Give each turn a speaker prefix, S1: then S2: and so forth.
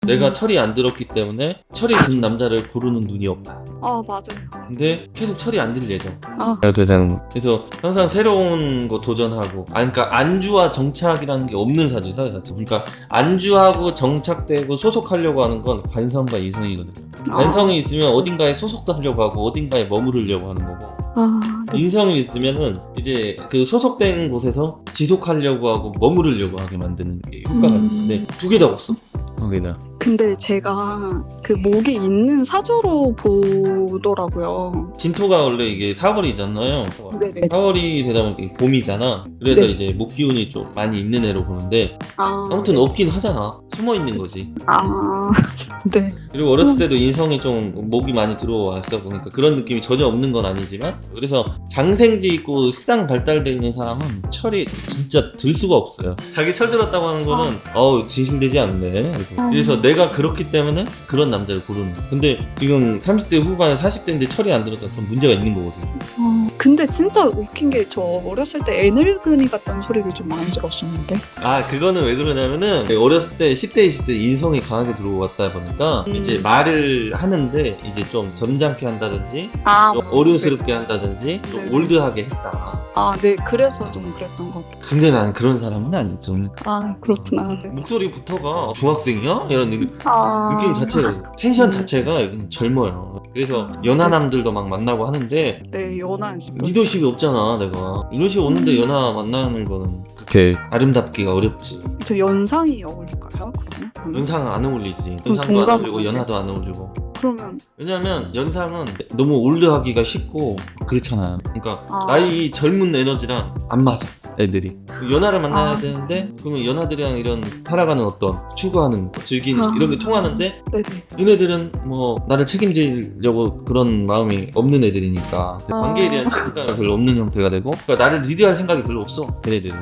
S1: 내가 철이 안 들었기 때문에 철이 든 남자를 고르는 눈이 없다.
S2: 아, 맞아요.
S1: 근데 계속 철이 안 들 예정.
S2: 아,
S1: 이렇게 되는 거. 그래서 항상 새로운 거 도전하고, 그러니까 안주와 정착이라는 게 없는 사주 사회 자체. 그러니까 안주하고 정착되고 소속하려고 하는 건 관성과 이성이거든요. 관성이 있으면 어딘가에 소속도 하려고 하고 어딘가에 머무르려고 하는 거고,
S2: 네.
S1: 인성이 있으면은 이제 그 소속된 곳에서 지속하려고 하고 머무르려고 하게 만드는 게 효과가 있는데 두 개 다 없어. 거기다.
S2: 근데 제가 그 목이 있는 사주로 보더라고요.
S1: 진토가 원래 이게 4월이잖아요.
S2: 네네.
S1: 4월이 되다 보니까 봄이잖아. 그래서
S2: 네.
S1: 이제 목기운이 좀 많이 있는 애로 보는데,
S2: 아,
S1: 아무튼 없긴 하잖아. 숨어 있는 거지.
S2: 네.
S1: 그리고 어렸을 때도 인성이 좀 목이 많이 들어왔어. 그러니까 그런 느낌이 전혀 없는 건 아니지만, 그래서 장생지 있고 식상 발달되어 있는 사람은 철이 진짜 들 수가 없어요. 자기 철 들었다고 하는 거는 진실되지 않네. 그래서 내가 그렇기 때문에 그런 남자를 고르는 거야. 근데 지금 30대 후반 40대인데 철이 안 들었다 좀 문제가 있는 거거든요.
S2: 근데 진짜 웃긴 게 저 어렸을 때 애늙은이 같다는 소리를 좀 많이 들었었는데.
S1: 그거는 왜 그러냐면은 어렸을 때 10대 20대 인성이 강하게 들어왔다 보니까 이제 말을 하는데 이제 좀 점잖게 한다든지 좀 어른스럽게 한다든지 좀
S2: 네.
S1: 올드하게 했다.
S2: 네. 그래서 좀 그랬던 것 같아요.
S1: 근데 나는 그런 사람은 아니죠.
S2: 그렇구나. 네.
S1: 목소리부터가 중학생이야? 이런 느낌
S2: 느낌
S1: 자체가, 텐션 자체가 그냥 젊어요. 그래서 연하남들도 막 만나고 하는데
S2: 네, 연한.
S1: 리더십이 없잖아. 내가 리더십 없는데 연하 만나는 거는 그렇게 아름답기가 어렵지.
S2: 저 연상이 어울릴까요? 그러면?
S1: 연상은 안 어울리지.
S2: 그럼
S1: 연상도 안 어울리고
S2: 동갑
S1: 연하도 안 어울리고.
S2: 그러면
S1: 왜냐면 연상은 너무 올드하기가 쉽고 그렇잖아요. 그러니까 나이 젊은 에너지랑 안 맞아. 애들이 연하를 만나야 되는데, 그러면 연하들이랑 이런 살아가는 어떤 추구하는 거, 즐기는 이런 게 통하는데,
S2: 네네.
S1: 얘네들은 뭐 나를 책임지려고 그런 마음이 없는 애들이니까 관계에 대한 책임감이 별로 없는 형태가 되고, 그러니까 나를 리드할 생각이 별로 없어. 걔네들은